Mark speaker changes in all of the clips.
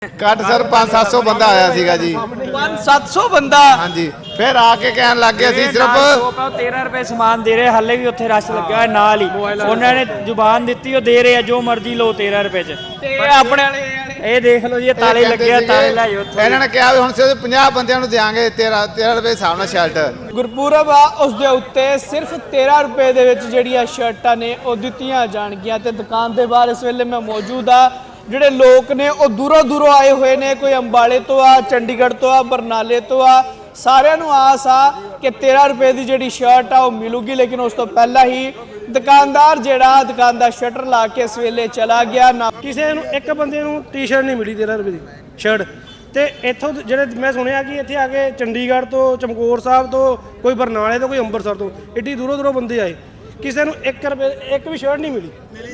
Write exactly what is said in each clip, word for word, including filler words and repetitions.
Speaker 1: ਘੱਟ ਸਰ पाँच सौ सात सौ ਬੰਦਾ ਆਇਆ ਸੀਗਾ ਜੀ।
Speaker 2: पाँच सौ सात सौ ਬੰਦਾ
Speaker 1: ਹਾਂਜੀ ਫਿਰ ਆ ਕੇ ਕਹਿਣ ਲੱਗ ਗਏ ਅਸੀਂ ਸਿਰਫ
Speaker 3: तेरह रुपए समान दे रहे हाले भी उत्थे रश लग्या होया नाल ही उन्होंने जुबान दित्ती ਉਹ ਦੇ ਰਹੇ ਆ ਜੋ ਮਰਜ਼ੀ ਲਓ तेरह रुपए ਚ
Speaker 2: ਤੇ ਆਪਣੇ ਵਾਲੇ
Speaker 3: ਇਹ ਦੇਖ ਲਓ ਜੀ ਇਹ ਤਾਲੇ ਲੱਗੇ ਆ ਤਾਲੇ ਲੈ ਜਾਓ ਉੱਥੋਂ
Speaker 1: ਇਹਨਾਂ ਨੇ ਕਿਹਾ ਵੀ ਹੁਣ ਸਿਰਫ ਪੰਜਾਹ ਬੰਦਿਆਂ ਨੂੰ ਦੇਾਂਗੇ ਤੇਰਾਂ ਤੇਰਾਂ ਰੁਪਏ ਹਿਸਾਬ ਨਾਲ ਸ਼ਰਟ।
Speaker 2: ਗੁਰਪੁਰਬ ਆ ਉਸ ਦੇ ਉੱਤੇ ਸਿਰਫ तेरह ਰੁਪਏ ਦੇ ਵਿੱਚ ਜਿਹੜੀਆਂ ਸ਼ਰਟਾਂ ਨੇ ਉਹ ਦਿੱਤੀਆਂ ਜਾਣਗੀਆਂ ਤੇ ਦੁਕਾਨ ਦੇ ਬਾਹਰ ਇਸ ਵੇਲੇ ਮੈਂ ਮੌਜੂਦ ਆ। ਜਿਹੜੇ ਲੋਕ ਨੇ ਉਹ ਦੂਰੋਂ ਦੂਰੋਂ ਆਏ ਹੋਏ ਨੇ, ਕੋਈ ਅੰਬਾਲੇ ਤੋਂ ਆ, ਚੰਡੀਗੜ੍ਹ ਤੋਂ ਆ, ਬਰਨਾਲੇ ਤੋਂ ਆ। ਸਾਰਿਆਂ ਨੂੰ ਆਸ ਆ ਕਿ तेरह ਰੁਪਏ ਦੀ ਜਿਹੜੀ ਸ਼ਰਟ ਆ ਉਹ ਮਿਲੂਗੀ, ਲੇਕਿਨ ਉਸ ਤੋਂ ਪਹਿਲਾਂ ਹੀ ਦੁਕਾਨਦਾਰ ਜਿਹੜਾ ਦੁਕਾਨ ਦਾ ਸ਼ਟਰ ਲਾ ਕੇ ਇਸ ਵੇਲੇ ਚਲਾ ਗਿਆ। ਨਾ
Speaker 4: ਕਿਸੇ ਨੂੰ ਇੱਕ ਬੰਦੇ ਨੂੰ ਟੀ-ਸ਼ਰਟ ਨਹੀਂ ਮਿਲੀ तेरह ਰੁਪਏ ਦੀ ਸ਼ਰਟ। ਤੇ ਇੱਥੋਂ ਜਿਹੜੇ ਮੈਂ ਸੁਣਿਆ ਕਿ ਇੱਥੇ ਆ ਕੇ ਚੰਡੀਗੜ੍ਹ ਤੋਂ, ਚਮਕੌਰ ਸਾਹਿਬ ਤੋਂ, ਕੋਈ ਬਰਨਾਲੇ ਤੋਂ, ਕੋਈ ਅੰਮ੍ਰਿਤਸਰ ਤੋਂ, ਏਡੀ ਦੂਰੋਂ ਦੂਰੋਂ ਬੰਦੇ ਆਏ, ਕਿਸੇ ਨੂੰ ਇੱਕ ਰੁਪਏ ਇੱਕ ਵੀ ਸ਼ਰਟ ਨਹੀਂ ਮਿਲੀ।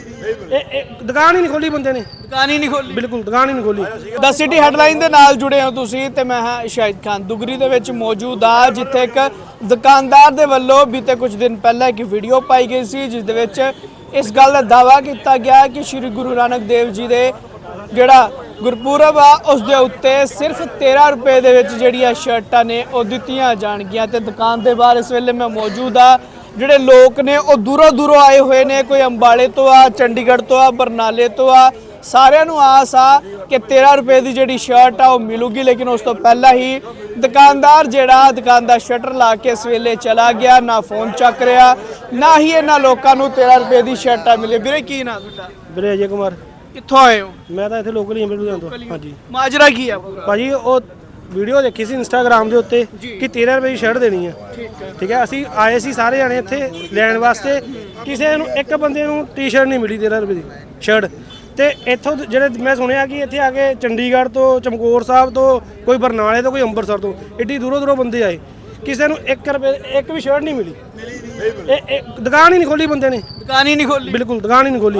Speaker 4: ਇਹ ਦੁਕਾਨ ਹੀ ਨਹੀਂ ਖੋਲੀ ਬੰਦੇ ਨੇ,
Speaker 2: ਦੁਕਾਨ ਹੀ ਨਹੀਂ ਖੋਲੀ,
Speaker 4: ਬਿਲਕੁਲ ਦੁਕਾਨ ਹੀ ਨਹੀਂ ਖੋਲੀ।
Speaker 2: ਦ ਸਿਟੀ ਹੈਡਲਾਈਨ ਦੇ ਨਾਲ ਜੁੜੇ ਹੋ ਤੁਸੀਂ ਤੇ ਮੈਂ ਹਾਂ ਸ਼ਾਹਿਦ ਖਾਨ ਦੁਗਰੀ ਦੇ ਵਿੱਚ ਮੌਜੂਦ ਆ, ਜਿੱਥੇ ਇੱਕ ਦੁਕਾਨਦਾਰ ਦੇ ਵੱਲੋਂ ਬੀਤੇ ਕੁਝ ਦਿਨ ਪਹਿਲਾਂ ਇੱਕ ਵੀਡੀਓ ਪਾਈ ਗਈ ਸੀ ਜਿਸ ਦੇ ਵਿੱਚ ਇਸ ਗੱਲ ਦਾ ਦਾਅਵਾ ਕੀਤਾ ਗਿਆ ਕਿ ਸ਼੍ਰੀ ਗੁਰੂ ਨਾਨਕ ਦੇਵ ਜੀ ਦੇ ਜਿਹੜਾ ਗੁਰਪੁਰਬ ਆ ਉਸ ਦੇ ਉੱਤੇ ਸਿਰਫ तेरह ਰੁਪਏ ਦੇ ਵਿੱਚ ਜਿਹੜੀਆਂ ਸ਼ਰਟਾਂ ਨੇ ਉਹ ਦਿੱਤੀਆਂ ਜਾਣਗੀਆਂ। ਤੇ ਦੁਕਾਨ ਦੇ ਬਾਹਰ ਇਸ ਵੇਲੇ ਮੈਂ ਮੌਜੂਦ ਆ। ਜਿਹੜੇ ਲੋਕ ਨੇ ਉਹ ਦੂਰੋਂ ਦੂਰੋਂ ਆਏ ਹੋਏ ਨੇ, ਕੋਈ ਅੰਬਾਲੇ ਤੋਂ ਆ, ਚੰਡੀਗੜ੍ਹ ਤੋਂ ਆ, ਬਰਨਾਲੇ ਤੋਂ ਆ। ਸਾਰਿਆਂ ਨੂੰ ਆਸ ਆ ਕਿ तेरह ਰੁਪਏ ਦੀ ਜਿਹੜੀ ਸ਼ਰਟ ਆ ਉਹ ਮਿਲੂਗੀ, ਲੇਕਿਨ ਉਸ ਤੋਂ ਪਹਿਲਾਂ ਹੀ ਦੁਕਾਨਦਾਰ ਜਿਹੜਾ ਦੁਕਾਨ ਦਾ ਸ਼ਟਰ ਲਾ ਕੇ ਇਸ ਵੇਲੇ ਚਲਾ ਗਿਆ। ਨਾ ਫੋਨ ਚੱਕ ਰਿਹਾ, ਨਾ ਹੀ ਇਹਨਾਂ ਲੋਕਾਂ ਨੂੰ तेरह ਰੁਪਏ ਦੀ ਸ਼ਰਟਾਂ ਮਿਲੇ। ਵੀਰੇ ਕੀ ਨਾਂ ਤੁਹਾਡਾ?
Speaker 4: ਵੀਰੇ ਅਜੇ ਕੁਮਾਰ।
Speaker 2: ਕਿੱਥੋਂ ਆਏ ਹੋ?
Speaker 4: ਮੈਂ ਤਾਂ ਇੱਥੇ ਲੋਕਲ ਹੀ ਹਾਂ ਬਿਲਕੁਲ ਤੋਂ। ਹਾਂਜੀ
Speaker 2: ਮਾਜਰਾ ਕੀ ਆ ਪੂਰਾ?
Speaker 4: ਭਾਜੀ ਉਹ ਵੀਡੀਓ ਦੇਖੀ ਸੀ ਇੰਸਟਾਗ੍ਰਾਮ ਦੇ ਉੱਤੇ ਕਿ तेरह ਰੁਪਏ ਦੀ ਸ਼ਰਟ ਦੇਣੀ ਹੈ। ਠੀਕ ਹੈ, ਅਸੀਂ ਆਏ ਸੀ ਸਾਰੇ ਜਾਣੇ ਇੱਥੇ ਲੈਣ ਵਾਸਤੇ, ਕਿਸੇ ਨੂੰ ਇੱਕ ਬੰਦੇ ਨੂੰ ਟੀ-ਸ਼ਰਟ ਨਹੀਂ ਮਿਲੀ तेरह ਰੁਪਏ ਦੀ ਸ਼ਰਟ। ਤੇ ਇੱਥੋਂ ਜਿਹੜੇ ਮੈਂ ਸੁਣਿਆ ਕਿ ਇੱਥੇ ਆ ਕੇ ਚੰਡੀਗੜ੍ਹ ਤੋਂ, ਚਮਕੌਰ ਸਾਹਿਬ ਤੋਂ, ਕੋਈ ਬਰਨਾਲੇ ਤੋਂ, ਕੋਈ ਅੰਮ੍ਰਿਤਸਰ ਤੋਂ, ਏਡੀ ਦੂਰੋਂ ਦੂਰੋਂ ਬੰਦੇ ਆਏ, ਕਿਸੇ ਨੂੰ ਇੱਕ ਰੁਪਏ ਇੱਕ ਵੀ ਸ਼ਰਟ ਨਹੀਂ ਮਿਲੀ। ਇਹ ਦੁਕਾਨ ਹੀ ਨਹੀਂ ਖੋਲੀ ਬੰਦੇ ਨੇ,
Speaker 2: ਦੁਕਾਨ ਹੀ ਨਹੀਂ ਖੋਲੀ,
Speaker 4: ਬਿਲਕੁਲ ਦੁਕਾਨ ਹੀ ਨਹੀਂ ਖੋਲੀ।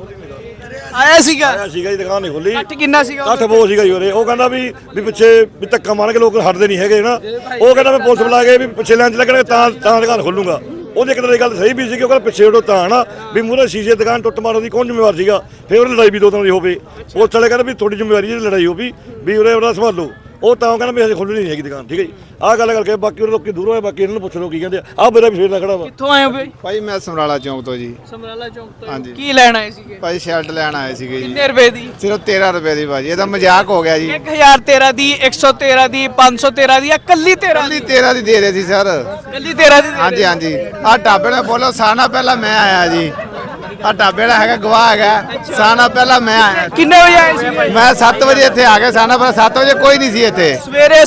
Speaker 2: ਆਇਆ ਸੀਗਾ
Speaker 5: ਆਇਆ ਸੀਗਾ ਜੀ, ਦੁਕਾਨ ਨਹੀਂ ਖੋਲੀ।
Speaker 2: ਕੱਟ ਕਿੰਨਾ ਸੀਗਾ?
Speaker 5: ਕੱਠ ਬਹੁਤ ਸੀਗਾ ਜੀ ਉਰੇ। ਉਹ ਕਹਿੰਦਾ ਵੀ ਵੀ ਪਿੱਛੇ ਵੀ ਧੱਕਾ ਮਾਰ ਕੇ ਲੋਕ ਹਟਦੇ ਨਹੀਂ ਹੈਗੇ ਨਾ। ਉਹ ਕਹਿੰਦਾ ਮੈਂ ਪੁਲਿਸ ਬੁਲਾ ਕੇ ਵੀ ਪਿੱਛੇ ਲੈਣ ਚ ਲੱਗਣਗੇ ਤਾਂ ਤਾਂ ਦੁਕਾਨ ਖੋਲੂੰਗਾ। ਉਹਦੀ ਇੱਕ ਤਰ੍ਹਾਂ ਦੀ ਗੱਲ ਸਹੀ ਵੀ ਸੀ ਕਿ ਉਹ ਕਹਿੰਦਾ ਪਿੱਛੇ ਹਟੋ ਤਾਂ ਨਾ ਵੀ ਮੂਹਰੇ ਸ਼ੀਸ਼ੇ ਦੁਕਾਨ ਟੁੱਟ ਮਾਰਨ ਦੀ ਕੌਣ ਜ਼ਿੰਮੇਵਾਰ ਸੀਗਾ। ਫਿਰ ਉਹਨੇ ਲੜਾਈ ਵੀ ਦੋ ਤਰ੍ਹਾਂ ਦੀ ਹੋਵੇ। ਪੁਲਿਸ ਵਾਲੇ ਕਹਿੰਦਾ ਵੀ ਤੁਹਾਡੀ ਜ਼ਿੰਮੇਵਾਰੀ ਜਿਹੜੀ ਲੜਾਈ ਹੋਵੇ ਵੀ ਉਰੇ ਉਹਦਾ ਸੰਭਾਲੋ। ਉਹ ਤਾਂ ਕਹਿੰਦਾ ਵੀ ਹਜੇ ਖੋਲ੍ਹਣੀ ਨਹੀਂ ਹੈਗੀ ਦੁਕਾਨ। ਠੀਕ ਹੈ ਜੀ, ਆਹ ਗੱਲ ਕਰਕੇ ਬਾਕੀ ਉਹ ਲੋਕੀ ਦੂਰੋਂ ਆਏ, ਬਾਕੀ ਇਹਨਾਂ ਨੂੰ ਪੁੱਛ ਲਓ ਕੀ ਕਹਿੰਦੇ ਆ। ਆਹ ਮੇਰਾ ਵੀ ਫੇਰ ਦਾ ਖੜਾ ਵਾ।
Speaker 2: ਕਿੱਥੋਂ ਆਏ ਹੋ ਬਈ?
Speaker 1: ਭਾਈ ਮੈਂ ਸਮਰਾਲਾ ਚੌਂਕ ਤੋਂ ਜੀ।
Speaker 2: ਸਮਰਾਲਾ ਚੌਂਕ ਤੋਂ।
Speaker 1: ਹਾਂਜੀ।
Speaker 2: ਕੀ ਲੈਣ ਆਏ ਸੀਗੇ?
Speaker 1: ਭਾਈ ਸ਼ਰਟ ਲੈਣ ਆਏ ਸੀਗੇ ਜੀ।
Speaker 2: ਕਿੰਨੇ ਰੁਪਏ ਦੀ?
Speaker 1: ਸਿਰਫ तेरह ਰੁਪਏ ਦੀ ਭਾਜੀ। ਇਹਦਾ ਮਜ਼ਾਕ ਹੋ ਗਿਆ ਜੀ।
Speaker 2: एक हज़ार तेरह ਦੀ, एक सौ तेरह ਦੀ, पाँच सौ तेरह ਦੀ, ਜਾਂ ਕੱਲੀ तेरह
Speaker 1: ਕੱਲੀ तेरह ਦੀ ਦੇ ਰਹੇ ਸੀ ਸਰ।
Speaker 2: ਕੱਲੀ तेरह ਦੀ?
Speaker 1: ਹਾਂਜੀ ਹਾਂਜੀ। ਆਹ ਢਾਬੇ ਨੇ ਬੋਲੋ ਸਾਨਾ ਪਹਿਲਾਂ ਮੈਂ ਆਇਆ ਜੀ। ਆਹ ਢਾਬੇ ਦਾ ਹੈਗਾ ਗਵਾਹ ਹੈਗਾ, ਸਾਨਾ ਪਹਿਲਾਂ ਮੈਂ ਆਇਆ।
Speaker 2: ਕਿੰਨੇ ਵਜੇ ਆਏ ਸੀ?
Speaker 1: ਮੈਂ ਸੱਤ ਵਜੇ ਇੱਥੇ ਆ ਗਿਆ। ਸਾਨਾ ਪਹਿਲਾਂ ਸੱਤ ਵਜੇ ਕੋਈ ਨਹੀਂ ਸੀ ਇੱਥੇ।
Speaker 2: ਸਵੇਰੇ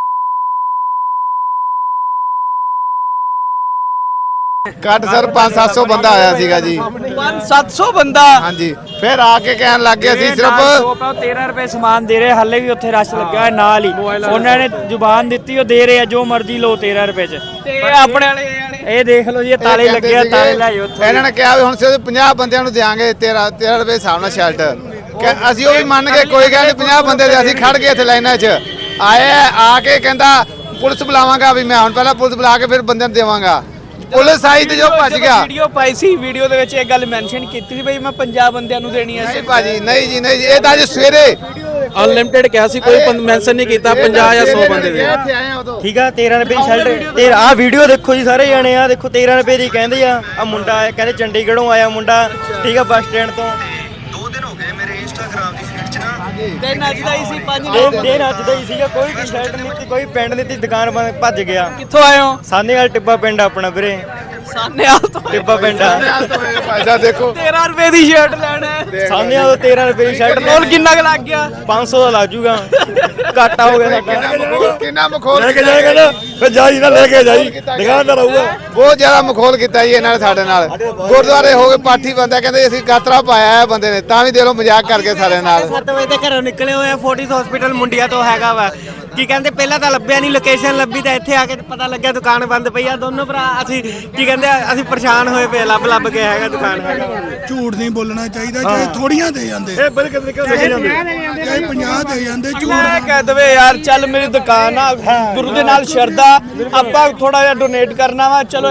Speaker 1: ਘੱਟ ਸਰ पाँच सौ सात सौ ਬੰਦਾ ਆਇਆ ਸੀਗਾ ਜੀ।
Speaker 2: पाँच सौ सात सौ ਬੰਦਾ
Speaker 1: ਹਾਂਜੀ ਫਿਰ ਆ ਕੇ ਕਹਿਣ ਲੱਗ ਗਏ ਅਸੀਂ ਸਿਰਫ
Speaker 3: तेरह रुपए समान दे रहे हाले भी उत्थे रश लग्या होया नाल ही उन्होंने जुबान दित्ती ਉਹ ਦੇ ਰਹੇ ਆ ਜੋ ਮਰਜ਼ੀ ਲਓ तेरह रुपए ਚ।
Speaker 2: ਤੇ ਆਪਣੇ ਵਾਲੇ
Speaker 3: ਇਹ ਦੇਖ ਲਓ ਜੀ ਇਹ ਤਾਲੇ ਲੱਗੇ ਆ ਤਾਲੇ ਲੈ ਜਾਓ ਉੱਥੋਂ।
Speaker 1: ਇਹਨਾਂ ਨੇ ਕਿਹਾ ਵੀ ਹੁਣ ਸਿਰਫ ਪੰਜਾਹ ਬੰਦਿਆਂ ਨੂੰ ਦੇਾਂਗੇ तेरह तेरह ਰੁਪਏ ਹਿਸਾਬ ਨਾਲ ਸ਼ਰਟ। ਕਿ ਅਸੀਂ ਉਹ ਵੀ ਮੰਨ ਕੇ ਕੋਈ ਗੱਲ ਨਹੀਂ, ਪੰਜਾਹ ਬੰਦੇ ਦੇ ਅਸੀਂ ਖੜ ਗਏ ਇੱਥੇ ਲਾਈਨਾਂ 'ਚ ਆਏ। ਆ ਕੇ ਕਹਿੰਦਾ ਪੁਲਿਸ ਬੁਲਾਵਾਂਗਾ ਵੀ ਮੈਂ ਹੁਣ ਪਹਿਲਾਂ ਪੁਲਿਸ ਬੁਲਾ ਕੇ ਫਿਰ ਬੰਦਿਆਂ ਨੂੰ ਦੇਵਾਂਗਾ। ਪੁਲਿਸ ਆਈ ਤੇ ਜੋ ਭੱਜ ਗਿਆ।
Speaker 2: ਵੀਡੀਓ ਪਾਈ ਸੀ, ਵੀਡੀਓ ਦੇ ਵਿੱਚ ਇਹ ਗੱਲ ਮੈਂਸ਼ਨ ਕੀਤੀ ਸੀ ਬਈ ਮੈਂ ਪੰਜਾਹ ਬੰਦਿਆਂ ਨੂੰ ਦੇਣੀ ਹੈ।
Speaker 1: ਨਹੀਂ ਭਾਜੀ, ਨਹੀਂ ਜੀ ਨਹੀਂ ਜੀ, ਇਹ ਤਾਂ ਅੱਜ ਸਵੇਰੇ
Speaker 6: ਅਨਲਿਮਿਟਿਡ ਕਿਹਾ ਸੀ, ਕੋਈ ਮੈਂਸ਼ਨ ਨਹੀਂ ਕੀਤਾ ਪੰਜਾਹ ਜਾਂ ਸੌ ਬੰਦੇ ਦੇ।
Speaker 1: ਇੱਥੇ ਆਏ ਆ ਉਦੋਂ।
Speaker 3: ਠੀਕ ਆ तेरह रुपए ਦੀ ਸ਼ਰਟ। ਤੇ ਆਹ ਵੀਡੀਓ ਦੇਖੋ ਜੀ ਸਾਰੇ ਜਾਣੇ, ਆ ਦੇਖੋ तेरह रुपए ਦੀ ਕਹਿੰਦੇ ਆ। ਆ ਮੁੰਡਾ ਆਇਆ, ਕਹਿੰਦੇ ਚੰਡੀਗੜ੍ਹੋਂ ਆਇਆ ਮੁੰਡਾ। ਠੀਕ ਆ, ਬੱਸ ਸਟੈਂਡ ਤੋਂ।
Speaker 7: ਦੋ ਦਿਨ ਹੋ ਗਏ ਮੇਰੇ ਇੰਸਟਾਗ੍ਰਾਮ ਦੀ ਫੀਡ 'ਚ ਨਾ
Speaker 2: ਦਿਨ ਅੱਜ ਦਾ ਹੀ ਸੀ, ਪੰਜ
Speaker 3: ਦਿਨ ਦਿਨ ਅੱਜ ਦਾ ਹੀ ਸੀਗਾ। ਕੋਈ ਟੀ-ਸ਼ਰਟ ਨਹੀਂ ਸੀ, ਕੋਈ ਪੈਂਟ ਨਹੀਂ ਸੀ, ਦੁਕਾਨ ਬੰਦ ਭੱਜ ਗਿਆ।
Speaker 2: ਕਿੱਥੋਂ ਆਏ ਹੋ?
Speaker 3: ਸਾਨੇ ਵਾਲ ਟਿੱਬਾ ਪਿੰਡ ਆਪਣਾ ਵੀਰੇ,
Speaker 2: ਸਾਨੇਵਾਲ ਤੋਂ।
Speaker 3: ਟਿੱਬਾ ਪਿੰਡ ਆ।
Speaker 1: ਭਾਈ ਸਾਹਿਬ ਦੇਖੋ
Speaker 2: तेरह ਰੁਪਏ ਦੀ ਸ਼ਰਟ ਲੈਣਾ ਹੈ।
Speaker 3: ਸਾਨੇ ਵਾਲ तेरह रुपए ਦੀ ਸ਼ਰਟ
Speaker 2: ਕੋਲ ਕਿੰਨਾ ਕੁ ਲੱਗ ਗਿਆ?
Speaker 3: पाँच सौ ਦਾ ਲੱਗ ਜੂਗਾ। ਘਾਟਾ ਹੋ ਗਿਆ ਸਾਡਾ।
Speaker 1: ਕਿੰਨਾ ਮਖੌਲ
Speaker 5: ਲੈ ਕੇ ਜਾਏਗਾ ਨਾ ਫਿਰ ਜਾਈ ਨਾ ਲੈ ਕੇ ਜਾਈ, ਦੁਕਾਨਦਾਰ ਆਊਗਾ।
Speaker 1: ਬਹੁਤ ਜ਼ਿਆਦਾ ਮਖੌਲ ਕੀਤਾ ਜੀ ਇਹਨਾਂ ਨੇ ਸਾਡੇ ਨਾਲ। ਗੁਰਦੁਆਰੇ ਹੋ ਗਏ ਪਾਠੀ ਬੰਦਾ ਕਹਿੰਦੇ ਅਸੀਂ ਗਾਤਰਾ ਪਾਇਆ ਹੈ ਬੰਦੇ ਨੇ, ਤਾਂ ਵੀ ਦੇ ਲੋ ਮਜ਼ਾਕ ਕਰਕੇ ਸਾਡੇ ਨਾਲ।
Speaker 8: ਸੱਤ ਵਜੇ ਤੇ ਘਰੋਂ ਨਿਕਲੇ ਹੋਏ ਆ, ਫੋਰਟਿਸ ਹਸਪੀਟਲ ਮੁੰਡਿਆ ਤੋਂ ਹੈਗਾ ਵਾ। ਕੀ ਕਹਿੰਦੇ ਪਹਿਲਾਂ ਤਾਂ ਲੱਭਿਆ ਨਹੀਂ, ਲੋਕੇਸ਼ਨ ਲੱਭੀ ਤਾਂ ਇੱਥੇ ਆ ਕੇ ਪਤਾ ਲੱਗਿਆ ਦੁਕਾਨ ਬੰਦ ਪਈ ਆ। ਦੋਨੋਂ ਭਰਾ ਅਸੀਂ ਕੀ ਕਹਿੰਦੇ ਆ, ਅਸੀਂ ਪਰੇਸ਼ਾਨ ਹੋਏ ਪਏ, ਲੱਭ ਲੱਭ ਕੇ ਹੈਗਾ ਦੁਕਾਨ ਹੈਗਾ।
Speaker 9: ਝੂਠ ਨਹੀਂ ਬੋਲਣਾ ਚਾਹੀਦਾ, ਚਾਹੇ ਥੋੜੀਆਂ ਦੇ ਜਾਂਦੇ,
Speaker 5: ਇਹ ਬੜੇ ਕਿਤੇ ਕਿਤੇ ਲੈ ਜਾਂਦੇ
Speaker 9: ਚਾਹੇ ਪੰਜਾਹ ਦੇ ਜਾਂਦੇ। ਝੂਠ
Speaker 2: ਮੈਂ ਕਹਿ ਦਵੇ ਯਾਰ ਚੱਲ ਮੇਰੀ ਦੁਕਾਨ ਆ, ਗੁਰੂ ਦੇ ਨਾਲ ਸ਼ਰਧਾ, ਆਪਾਂ ਥੋੜਾ ਜਿਹਾ ਡੋਨੇਟ ਕਰਨਾ ਵਾ, ਚਲੋ ਯਾਰ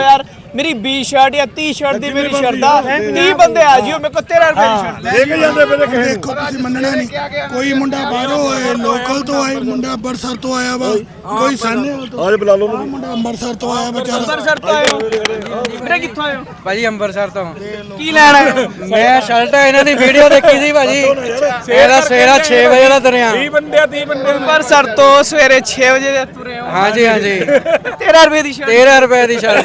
Speaker 2: ਮੇਰੀ ਵੀਹ ਸ਼ਰਟ ਜਾਂ ਤੀਹ ਸ਼ਰਟ ਦੀ ਮੇਰੀ ਸ਼ਰਦਾ ਤੀਹ ਬੰਦੇ ਆ ਜਿਓ ਮੇਰੇ ਕੋਲ ਤੇਰਾਂ ਰੁਪਏ ਦੀ ਸ਼ਰਟ
Speaker 5: ਲੈ ਕੇ ਜਾਂਦੇ ਪਏ ਕਿਸੇ
Speaker 9: ਦੇਖੋ ਤੁਸੀਂ ਮੰਨਣਾ ਨਹੀਂ, ਕੋਈ ਮੁੰਡਾ ਬਾਹਰੋਂ ਆਏ, ਲੋਕਲ ਤੋਂ ਆਏ, ਮੁੰਡਾ ਅੰਮ੍ਰਿਤਸਰ ਤੋਂ ਆਇਆ ਵਾ, ਕੋਈ ਸਾਹਨੇਵਾਲ ਤੋਂ,
Speaker 5: ਆਜ ਬੁਲਾ ਲਓ
Speaker 9: ਆਹ ਮੁੰਡਾ ਅੰਮ੍ਰਿਤਸਰ ਤੋਂ ਆਇਆ ਵਿਚਾਰਾ।
Speaker 2: ਅੰਮ੍ਰਿਤਸਰ ਤੋਂ ਆਏ ਹੋ ਵੀਰੇ, ਕਿੱਥੋਂ ਆਏ ਹੋ?
Speaker 6: ਭਾਜੀ ਅੰਮ੍ਰਿਤਸਰ ਤੋਂ
Speaker 2: ਕੀ ਲੈਣਾ ਹੈ?
Speaker 6: ਮੈਂ ਸ਼ਰਟ ਇਹਨਾਂ ਦੀ ਵੀਡੀਓ ਦੇਖੀ ਸੀ ਭਾਜੀ ਇਹਦਾ ਸਵੇਰਾ ਛੇ ਵਜੇ ਦਾ ਤੁਰਿਆ
Speaker 2: ਅੰਮ੍ਰਿਤਸਰ ਤੋਂ ਸਵੇਰੇ ਛੇ ਵਜੇ ਦੇ ਤੁਰੇ ਹੋ।
Speaker 6: ਹਾਂਜੀ ਹਾਂਜੀ
Speaker 2: ਤੇਰਾਂ ਰੁਪਏ ਦੀ ਸ਼ਰਟ
Speaker 6: ਤੇਰਾਂ ਰੁਪਏ ਦੀ ਸ਼ਰਟ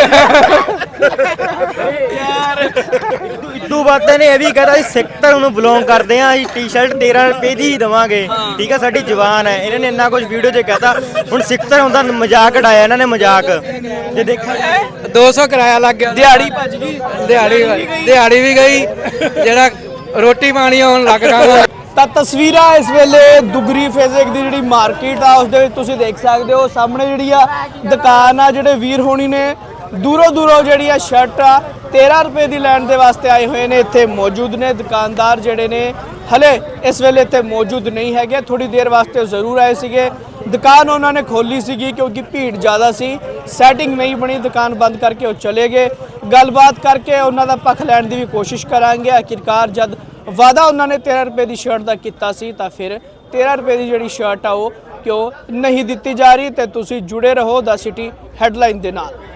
Speaker 2: ਯਾਰ।
Speaker 3: ਇਦੋਂ ਬਾਅਦ ਤਾਂ ਇਹਨੇ ਇਹ ਵੀ ਕਹਤਾ ਅਸੀਂ ਸਿੱਖ ਧਰਮ ਨੂੰ ਬਿਲੋਂਗ ਕਰਦੇ ਆ, ਅਸੀਂ ਟੀ-ਸ਼ਰਟ ਤੇਰਾਂ ਰੁਪਏ ਦੀ ਹੀ ਦੇਵਾਂਗੇ, ਠੀਕ ਆ, ਸਾਡੀ ਜ਼ੁਬਾਨ ਹੈ। ਇਹਨਾਂ ਨੇ ਇੰਨਾ ਕੁਝ ਵੀਡੀਓ 'ਚ ਕਹਤਾ। ਹੁਣ ਸਿੱਖ ਧਰਮ ਦਾ ਮਜ਼ਾਕ ਉਡਾਇਆ ਇਹਨਾਂ ਨੇ, ਮਜ਼ਾਕ ਜੇ ਦੇਖਿਆ ਜਾਏ।
Speaker 6: ਦੋ ਸੌ ਕਿਰਾਇਆ ਲੱਗ ਗਿਆ
Speaker 2: ਦਿਹਾੜੀ ਭੱਜ ਗਈ,
Speaker 6: ਦਿਹਾੜੀ ਦਿਹਾੜੀ ਵੀ ਗਈ ਜਿਹੜਾ ਰੋਟੀ ਪਾਣੀ ਆਉਣ ਲੱਗ ਗਿਆ।
Speaker 2: ਤਾਂ ਤਸਵੀਰਾਂ ਇਸ ਵੇਲੇ ਦੁਗਰੀ ਫੇਜ਼ਿਕ ਦੀ ਜਿਹੜੀ ਮਾਰਕੀਟ ਆ ਉਸ ਦੇ ਵਿੱਚ ਤੁਸੀਂ ਦੇਖ ਸਕਦੇ ਹੋ। ਸਾਹਮਣੇ ਜਿਹੜੀ ਆ ਦੁਕਾਨ ਆ, ਜਿਹੜੇ ਵੀਰ ਹੋਣੀ ਨੇ ਦੂਰੋਂ ਦੂਰੋਂ ਜਿਹੜੀ ਆ ਸ਼ਰਟ ਆ ਤੇਰਾਂ ਰੁਪਏ ਦੀ ਲੈਣ ਦੇ ਵਾਸਤੇ ਆਏ ਹੋਏ ਨੇ, ਇੱਥੇ ਮੌਜੂਦ ਨੇ। ਦੁਕਾਨਦਾਰ ਜਿਹੜੇ ਨੇ ਹਲੇ ਇਸ ਵੇਲੇ ਇੱਥੇ ਮੌਜੂਦ ਨਹੀਂ ਹੈਗੇ, ਥੋੜੀ ਦੇਰ ਵਾਸਤੇ ਜ਼ਰੂਰ ਆਏ ਸੀਗੇ। ਦੁਕਾਨ ਉਹਨਾਂ ਨੇ ਖੋਲੀ ਸੀਗੀ ਕਿਉਂਕਿ ਭੀੜ ਜ਼ਿਆਦਾ ਸੀ, ਸੈਟਿੰਗ ਨਹੀਂ ਬਣੀ, ਦੁਕਾਨ ਬੰਦ ਕਰਕੇ ਉਹ ਚਲੇ ਗਏ। ਗੱਲਬਾਤ ਕਰਕੇ ਉਹਨਾਂ ਦਾ ਪੱਖ ਲੈਣ ਦੀ ਵੀ ਕੋਸ਼ਿਸ਼ ਕਰਾਂਗੇ। ਆਖਿਰਕਾਰ ਜਦ ਵਾਅਦਾ ਉਹਨਾਂ ਨੇ ਤੇਰਾਂ ਰੁਪਏ ਦੀ ਸ਼ਰਟ ਦਾ ਕੀਤਾ ਸੀ ਤਾਂ ਫਿਰ ਤੇਰਾਂ ਰੁਪਏ ਦੀ ਜਿਹੜੀ ਸ਼ਰਟ ਆ ਉਹ ਕਿਉਂ ਨਹੀਂ ਦਿੱਤੀ ਜਾ ਰਹੀ। ਤੇ ਤੁਸੀਂ ਜੁੜੇ ਰਹੋ ਦ ਸਿਟੀ ਹੈਡਲਾਈਨ ਦੇ ਨਾਲ।